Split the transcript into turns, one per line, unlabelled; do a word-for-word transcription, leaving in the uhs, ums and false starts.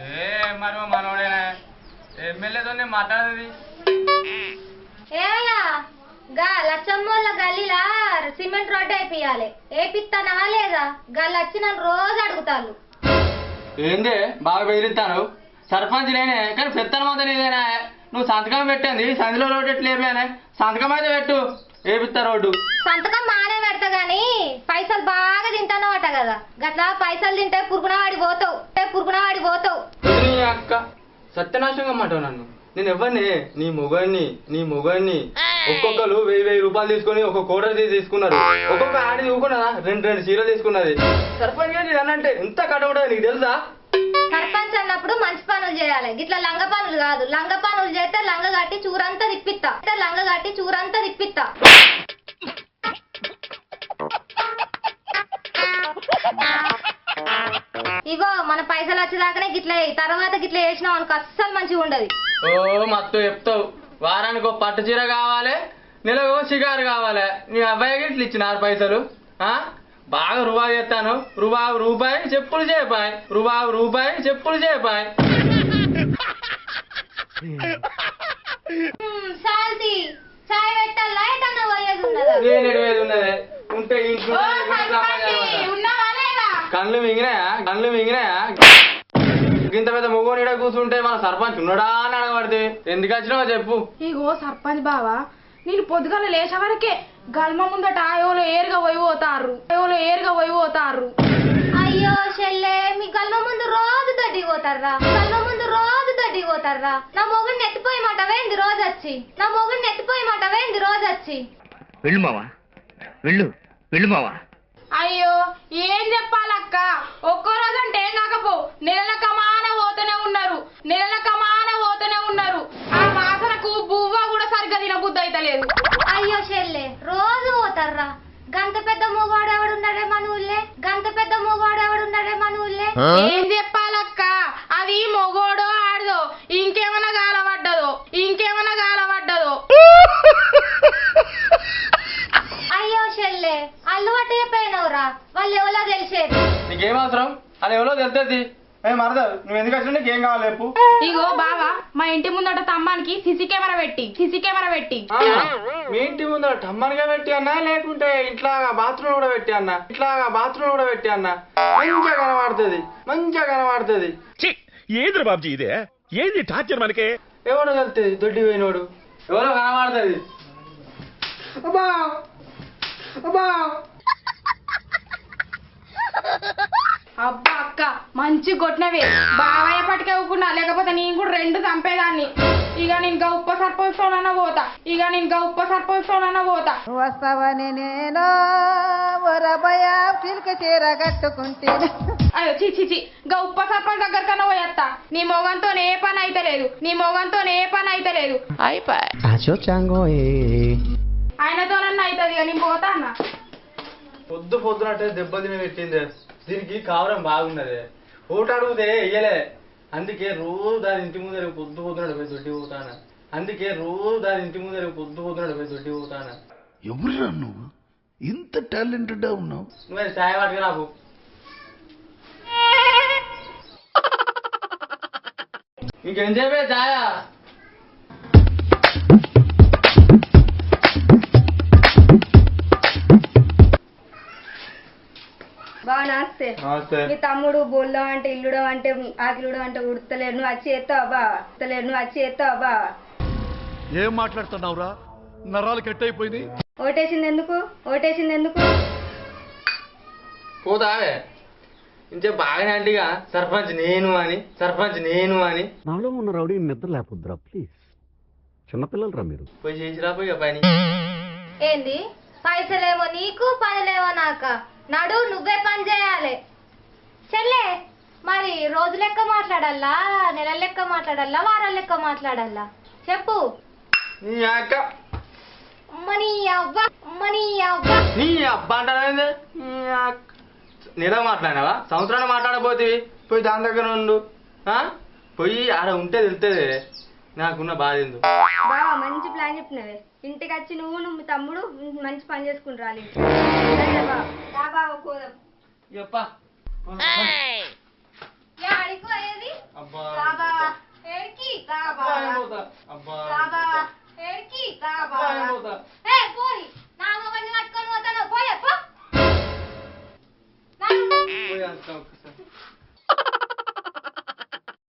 ఏ మరి మనోడేనా ఎమ్మెల్యేతో మాట్లాడేది
ఏమయ్యా గా లచ్చమ్మోళ్ళ గల్లీలా సిమెంట్ రోడ్డు అయిపోయాలి ఏపిస్తానా లేదా గల్లు వచ్చి నన్ను రోజు అడుగుతాను.
ఏందే బాగా బెదిరిస్తాను సర్పంచ్ నేనే కానీ పెత్తనం అంతా నీదేనా నువ్వు సంతకం పెట్టింది సంధిలో రోడ్డు ఎట్లేపానే సంతకం అయితే పెట్టు ఏపిస్తా రోడ్డు.
సంతకం మానే పెడతా గాని పైసలు బాగా తింటానో అట కదా గట్లా పైసలు తింటే పురుగున వాడి పోతావు పురుగున వాడి పోతావు.
అక్క సత్యనాశంగా అమ్మంటావు నన్ను నేను ఎవరిని నీ మొగన్ని నీ మొగన్ని ఒక్కొక్కరు వెయ్యి వెయ్యి రూపాయలు తీసుకుని ఒక కోటర్ తీసుకున్నారు ఒక్కొక్క ఆడి తీసుకున్నదా రెండు రెండు చీరలు తీసుకున్నది సర్పంచ్ గారు అనంటే ఎంత కట్టబడదు నీకు తెలుసా?
సర్పంచ్ అన్నప్పుడు మంచి పనులు చేయాలి గిట్లా లంగ పనులు కాదు. లంగ పనులు చేస్తే లంగ కట్టి చూరంతా తిప్పిస్తా లంగ కట్టి చూరంతా తిప్పిస్తా. ఇగో మన పైసలు వచ్చేదాకానే గిట్ల తర్వాత గిట్ల చేసినావు అనుకో అస్సలు మంచిగా ఉండదు.
ఓ మత్తు చెప్తావు వారానికి ఒక పట్టు చీర కావాలి నెలకు షికారు కావాలి నీ అబ్బాయికి ఇట్లా ఇచ్చినారు పైసలు ఆ బాగా రూపాయి చేస్తాను రూబాబు రూపాయి చెప్పులు చేపాయి రూబాబు రూపాయి చెప్పులు చేపాయి.
సాల్తి చాయ్ పెట్టాలా ఎటన్నా పోయేది
ఉన్నదే ఉంటే ఇంట్లో కళ్ళు మింగినాయా కళ్ళు మింగినాయా ఇంత పెద్ద మొగోనిడ కూర్చుంటే మన సర్పంచ్ ఉన్నాడా అని అడగబడితే ఎందుకు వచ్చినావో చెప్పు.
ఇగో సర్పంచ్ బావా నేను పొద్దుగాల లేచే వరకే గల్మ ముందట ఎవరో ఏరుగా పోయి పోతారు ఎవరో ఏరుగా పోయి పోతారు.
అయ్యో చెల్లె మీ గల్మ ముందు రోజు దడ్డి పోతారా గల్మ ముందు రోజు దడ్డి పోతారా. నా మొగుడిని ఎత్తిపోయి మాట వేంది రోజు వచ్చి నా మొగుడిని ఎత్తిపోయి మాట వేంది రోజు వచ్చి.
వెళ్ళు మావా వెళ్ళు వెళ్ళు మావా.
అయ్యో ఏం చెప్పాలక్క ఒక్కో రోజు అంటే ఏం కాకపో నెలల కమాన పోతూనే ఉన్నారు నెలల కమాన పోతూనే ఉన్నారు. ఆ వాసనకు బువ్వ కూడా సరిగ్గా తినబుద్ధి అయితే లేదు.
అయ్యో చెల్లె రోజు పోతారా గంత పెద్ద మూగాడు ఎవడున్నాడే మన ఊళ్ళే గంత పెద్ద మూగాడు ఎవడున్నాడే మన ఊళ్ళే.
ఏం చెప్పాలక్క అది మొగోడో ఆడదో ఇంకేమైనా గాలపడ్డదో ఇంకేమైనా గాలపడ్డదో.
అయ్యో చెల్లె అల్లు పట్టి చెప్పేనవురా వాళ్ళు ఎవరో తెలిసేది.
నీకేం అవసరం అది ఎవరో తెలుస్తుంది మరద నువ్వు ఎందుకు వచ్చినా నీకేం కావాలి చెప్పు.
ఇగో బావా మా ఇంటి ముందట తమ్మానికి సిసి కెమెరా పెట్టి సిసి కెమెరా పెట్టి
మీ ఇంటి ముందర టమ్మనిగా పెట్టి అన్నా లేకుంటే ఇంట్లో బాత్రూమ్ కూడా పెట్టి అన్నా ఇట్లా బాత్రూమ్ కూడా పెట్టి అన్నా మంచిగా కనబడుతుంది మంచిగా కనబడుతుంది.
ఏది బాబుజీ ఇదే ఏది టార్చర్ మనకే
ఎవడో వెళ్తుంది దొడ్డి పోయినోడు ఎవరో కనబడుతుంది. అబ్బా అబ్బా
అబ్బా అక్క మంచి కొట్టినవే బావయ్య పట్టుకే ఊకున్నా లేకపోతే నేను కూడా రెండు చంపేదాన్ని. ఇక నేను ఇంకా ఉప్ప సర్పంచ్ పోతా ఇక నేను ఇంకా ఉప్ప సర్పంచ్ పోతా.
వస్తావని నేను చీర కట్టుకుంటే
అయ్యో చి చి చి గా ఉప్ప సర్పంచ్ దగ్గర కన్నా పోయేస్తా. నీ మొగంతో ఏ పని అయితే లేదు నీ మొగంతో ఏ పని అయితే లేదు ఆయనతోనన్నా అవుతుంది ఇక నేను పోతా అన్న.
పొద్దు పొద్దునట్టే దెబ్బ తిని పెట్టింది దీనికి కావడం బాగున్నది ఓటు అడిగితే వెయ్యలే అందుకే రోజు దాని ఇంటి ముందర పొద్దు పొద్దునట్టు పోయి దొడ్డి పోతాను అందుకే రోజు దాని ఇంటి ముందర పొద్దు పొద్దునట్టు పోయి దొడ్డి పోతాను.
ఎవరురా నువ్వు ఇంత టాలెంటెడ్ ఉన్నావు
నువ్వే సాయ వాటికి నాకు ఇంకేం చెప్పే ఛాయ
బాగా నాస్తే మీ తమ్ముడు బోల్డం అంటే ఇల్లుడం అంటే ఆకిలుడం అంటే ఉడతలేరు నువ్వు వచ్చి ఎత్తావా బా ఉడతలేరు నువ్వు వచ్చి ఎత్తావా బా.
ఏం మాట్లాడుతున్నావురా నరాలు కట్ అయిపోయింది.
ఓటేసింది ఎందుకు ఓటేసింది ఎందుకు
పోతావే ఇంకే బాగానే అంటిగా సర్పంచ్ నేను అని సర్పంచ్ నేను అని
నాలో ఉన్న రౌడీ నిద్ర లేకపోద్దురా ప్లీజ్ చిన్నపిల్లలు రా మీరు
పోయి చేసిరా పోయి పని.
ఏంది పైసలేమో నీకు పనులేమో నాక నడు నువ్వే పని చేయాలి చెల్లె. మరి రోజు లెక్క మాట్లాడాలా నెల లెక్క మాట్లాడాలా వారాల లెక్క మాట్లాడాలా చెప్పు.
నీ అక్క
మనీ అవ్వ మనీ అవ్వ
నీ అబ్బా అంటావేంది నెల మాట్లాడినావా సంవత్సరాన్ని మాట్లాడబోతే పోయి దాని దగ్గర ఉండు పోయి ఆడ ఉంటే తెలుస్తుంది నాకున్న బాధ ఎందుకు.
బావా మంచి ప్లాన్ చెప్పినవే ఇంటికి వచ్చి నువ్వు నువ్వు తమ్ముడు మంచి పని చేసుకుని రాలి
చెప్పా
అడిగిపోయేది
అబ్బా అబ్బా
రాబా ఏడికి రాబా
అబ్బా, నేను పోతా.
ఏ పోయి నా మొగని పట్టుకొని పోతాను పోయే పో నడు.
పోయి అక్క ఒక్కసారి.